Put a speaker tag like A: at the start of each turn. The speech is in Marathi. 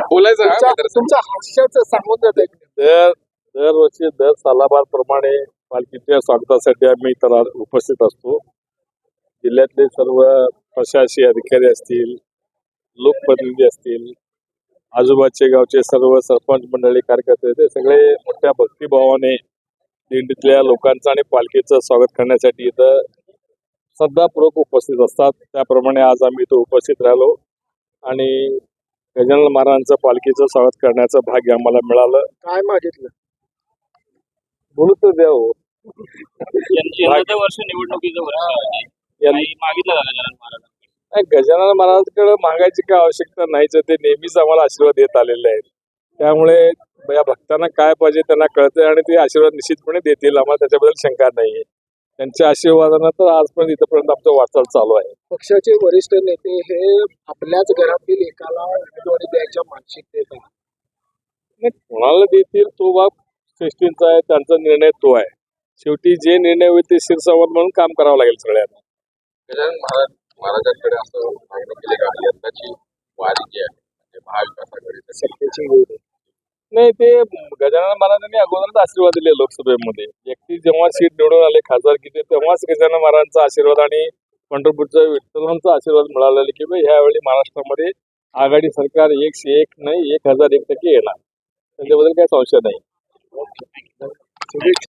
A: बोलायचं हा
B: तुमच्या हास्याचं सांगून जात
C: दरवर्षी दर सालाबारप्रमाणे पालखीच्या स्वागतासाठी आम्ही इतर उपस्थित असतो. जिल्ह्यातले सर्व प्रशासकीय अधिकारी असतील, लोकप्रतिनिधी असतील, आजूबाजूचे गावचे सर्व सरपंच मंडळी, कार्यकर्ते, ते सगळे मोठ्या भक्तिभावाने दिंडीतल्या लोकांचं आणि पालखीचं स्वागत करण्यासाठी इथं श्रद्धापूर्वक उपस्थित असतात. त्याप्रमाणे आज आम्ही इथं उपस्थित राहिलो आणि गजानन महाराजांचं पालखीचं स्वागत करण्याचं भाग्य आम्हाला मिळालं.
B: काय मागितलं?
C: बोलू तर द्या हो.
D: वर्ष निवडणुकीचं वर्ष आहे. मागितलं गजानन महाराज.
C: गजानन महाराजांकडे मागायची काय आवश्यकता नाहीच. ते नेहमीच आम्हाला आशीर्वाद देत आलेले आहेत. त्यामुळे या भक्तांना काय पाहिजे त्यांना कळतंय आणि ते आशीर्वाद निश्चितपणे देतील. आम्हाला त्याच्याबद्दल शंका नाहीये. त्यांच्या आशीर्वादानं तर आजपर्यंत इथपर्यंत आमचं वाटचाल चालू आहे.
B: पक्षाचे वरिष्ठ नेते हे आपल्याच घरातील एकाला उमेदवारी द्यायच्या मानसिकतेत आहेत.
C: कोणाला देतील तो बाब श्रेष्ठींचा आहे, त्यांचा निर्णय तो आहे. शेवटी जे निर्णय होईल ते शिरसावत म्हणून काम करावं लागेल सगळ्यांना.
A: गजानन महाराजांकडे असं मागणी केली का यंदाची वारी जी आहे म्हणजे महाविकास आघाडीची
B: सत्तेची वेळ आहे.
C: नाही, ते गजानन महाराजांनी अगोदरच आशीर्वाद दिले लोकसभेमध्ये. व्यक्ती जेव्हा सीट निवडून आले खासदारकीचे तेव्हाच गजानन महाराजांचा आशीर्वाद आणि पंढरपूरच्या विठ्ठलांचा आशीर्वाद मिळालेला की ह्यावेळी महाराष्ट्रामध्ये आघाडी सरकार 101 नाही 1001% येणार. त्याच्याबद्दल काही संशय नाही.